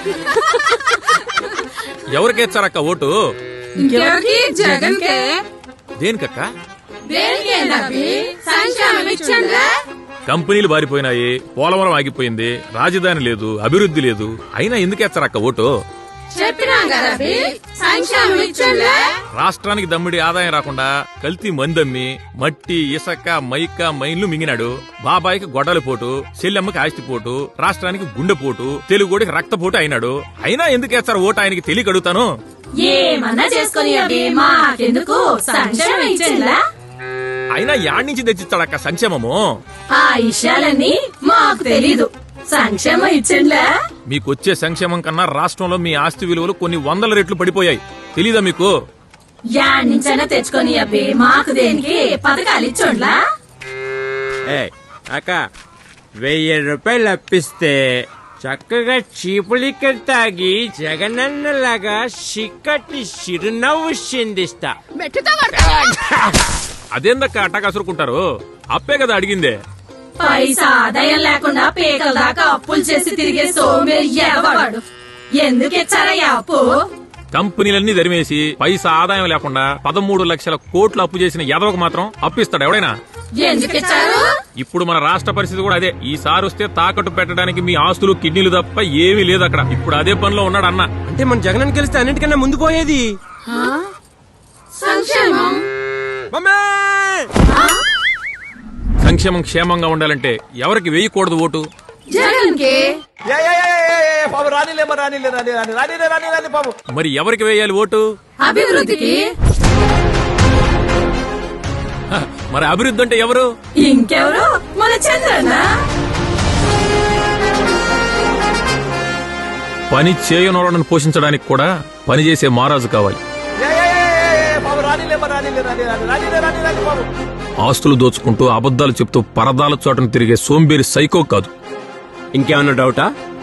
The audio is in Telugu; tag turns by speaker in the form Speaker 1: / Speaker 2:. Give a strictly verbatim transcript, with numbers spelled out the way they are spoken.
Speaker 1: ఎవరికేచ్చారక్క ఓటు?
Speaker 2: జగన్కే.
Speaker 1: దేనికక్క? కంపెనీలు బారిపోయినాయి, పోలవరం ఆగిపోయింది, రాజధాని లేదు, అభివృద్ధి లేదు, అయినా ఎందుకేచ్చారక్క ఓటు? రాష్ట్రానికి దమ్మిడి ఆదాయం రాకుండా కల్తీ మందమ్మి మట్టి ఇసక మైక మైన్లు మింగినాడు. బాబాయికి గొడ్డలి పోటు, చెల్లెమ్మకి ఆస్తిపోటు, రాష్ట్రానికి గుండెపోటు, తెలుగుడికి రక్తపోటు అయినాడు. అయినా ఎందుకేస్తారు ఓటు ఆయనకి తెలియక అడుగుతాను.
Speaker 3: ఏమన్నా చేసుకుని
Speaker 1: అయినా యాడ్ నుంచి తెచ్చిస్తాడక్క సంక్షేమము?
Speaker 3: ఆ విషయాలన్నీ మాకు తెలీదు. సంక్షేమం ఇచ్చిండ్లా?
Speaker 1: మీకొచ్చే సంక్షేమం కన్నా రాష్ట్రంలో మీ ఆస్తి విలువలు కొన్ని వందల రెట్లు పడిపోయాయి. తెలీదా మీకు?
Speaker 3: యాడ్ నుంచైనా తెచ్చుకొని అబ్బే, మాకు దేనికి పథకాలు ఇచ్చోండ్లా?
Speaker 4: అక్క వెయ్యి రూపాయలు అప్పిస్తే చక్కగా చీపులిక్కలు తాగి జగనన్నలాగా చిక్కటి చిరునవ్వు చిందిస్తా.
Speaker 1: అదేందక్క అట్టా కసురుకుంటారు? అప్పే కదా అడిగిందే.
Speaker 3: పైసా ఆదాయం లేకుండా పేకల దాకా అప్పులు చేసి తిరిగే సోమేరి ఎవడు? ఎందుకు ఇచ్చారయ్యా అప్పు?
Speaker 1: కంపెనీలన్నీ దరిమేసి పైసా ఆదాయం లేకుండా పదమూడు లక్షల కోట్లు అప్పు చేసిన ఎదవకు మాత్రం అప్పిస్తాడు ఎవడైనా?
Speaker 3: ఎందుకు ఇచ్చారు?
Speaker 1: ఇప్పుడు మన రాష్ట్ర పరిస్థితి కూడా అదే. ఈసారి వస్తే తాకట్టు పెట్టడానికి మీ ఆస్తులు కిడ్నీలు తప్ప ఏమీ లేదు అక్కడ. ఇప్పుడు అదే పనిలో ఉన్నాడు అన్న.
Speaker 4: అంటే మన జగన్ గెలిస్తే అన్నిటికన్నా ముందు పోయేది
Speaker 3: సంక్షేమం.
Speaker 1: సంక్షేమం క్షేమంగా ఉండాలంటే ఎవరికి వేయకూడదు ఓటు?
Speaker 3: జగన్ కి.
Speaker 1: మరి ఎవరికి వేయాలి ఓటు?
Speaker 3: అభివృద్ధికి.
Speaker 1: మరి అభివృద్ధి అంటే ఎవరు?
Speaker 3: ఇంకెవరు? మన చంద్రన్న.
Speaker 1: పని చేయనోళ్ళను పోషించడానికి కూడా పనిచేసే మహారాజు కావాలి. ఆస్తులు దోచుకుంటూ అబద్దాలు చెప్తూ పరదాల చోటను తిరిగే సోంబేరి సైకో కాదు.
Speaker 4: ఇంకేమన్నా డౌటా?